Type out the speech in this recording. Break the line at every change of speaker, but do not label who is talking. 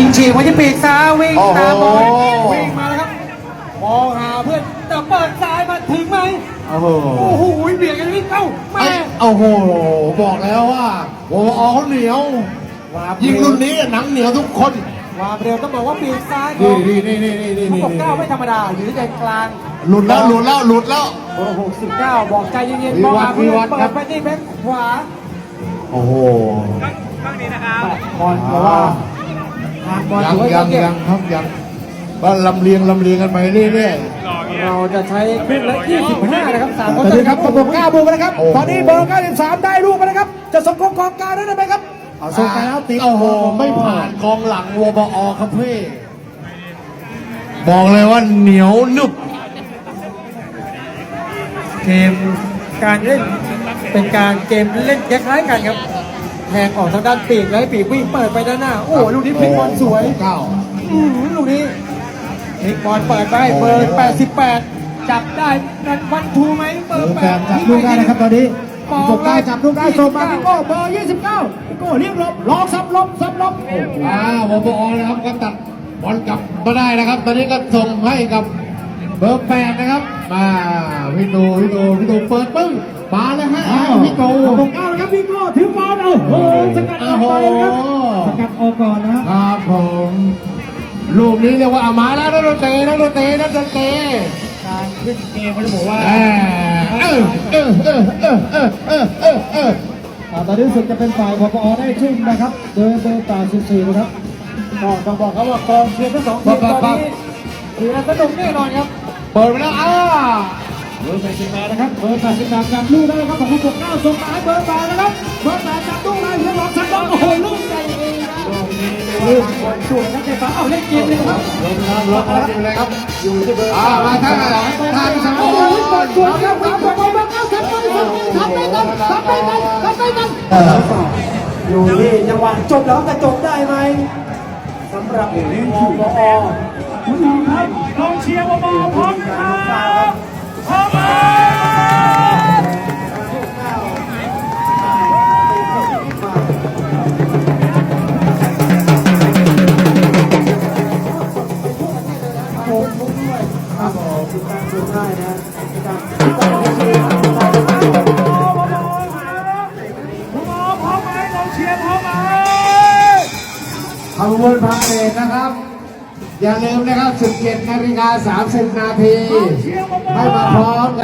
ฉีกมาที่ปีกซ้ายวิ่งตามบอลวิ่งมาแล้วครับมองหาเพื่อนแต่เปิดซ้ายมาถึงไหมโอ้โหเบียดกันวิ่งเข้าแม่
โอ้โหบอกแล้วว่าโอ้เขาเหนียวยิงรุ่นนี้หนังเหนียวทุกคน
วาเร็วต้องบอกว่าปีกซ้าย
นี่
69ไม่ธรรมดาอยู่ที่ใจกลาง
หลุดแล้ว
69บอกใจเย็นๆมองหาเพื่อนเปิดไปที่แบ็คขวา
โอ้โห
ข้างนี้นะครับบอลเพราะว่า
ยังว่าลำเลียงกันไปเรื่อย
ๆเราจะใช้ครึ่งละ25นะครับ3คน
ครับประกบ9บุกนะครับตอนนี้เบอร์93ได้ลูกมาแล้วครับจะส่งกองกลางได้ไหมครับเอาส่งไปแล้วติด
โอ้โหไม่ผ่านกองหลังวบอครับพี่บอกเลยว่าเหนียวนึบ
เกมการเล่นเป็นการเกมเล่นคล้ายๆกันครับแทงออกทางด้านปีกแล้วปีกวิ่งเปิดไปด้านหน้าโอ้ลูกนี้พลิกบอลสวยลูกนี้พลิกบอลเปิดไปเบอร์88จับได้นันวันทูไหมเบอร์8
จับลูกได้นะครับตอนนี้จบได้จับลูกได้ส่งมาพี่โก้เบอร์29พี่โก้เรียกลบล็อกซับลบ
วบอนะครับก็ตัดบอลกลับมาได้นะครับ ตอนนี้ก็ส่งให้กับเบอร์8นะครับมาพี่ตูเปิดปึ้งมาแล้วฮะพี่โก้
9นะครับพี่โก้ถือบอลสกัดออกไปครับสกัดออกก่อน
นะครับผมลูกนี้เรียกว่ามาแล้วนักดนตรีการ
ขึ้นเกมเขาจะบอกว่าตอนนี้สุดจะเป็นฝ่ายพอได้ชุ่มนะครับโดยเบอร์84นะครับ
ก็ต้องบอกเขาว่ากองเชียร์ทั้งสองทีมตอนนี้ถือว่าสนุกแน่นอนครับ
เปิดไปแล้ว
เบอร์88นะครับเบอร์88จับลูกได้ครับของผู้ปกครองส่งมาให้เบอร์8นะครับเบอร์8จับลูกได้เพื่อหลอกสักบอลโอ้โหลูกใหญ่เอง
ลูกบอลช่วยนักเตะฟ้าเอาเล่นเกมเลยครับ
ล็อกเลยครับอยู่ที่เบอร์มาท่าที่สอง
โอ้โหบอลช่วยครับบอลเบอร์9ทำได้กัน
อยู่ที่จังหวะจบแล้วจะจบได้ไหมสำหรับวบ
คุณน้องครับกองเชียร์วบพร้อมครับพร้อ
ขบวนพาเหรดนะครับอย่าลืมนะครับ17:30 นาทีให้มาพร้อม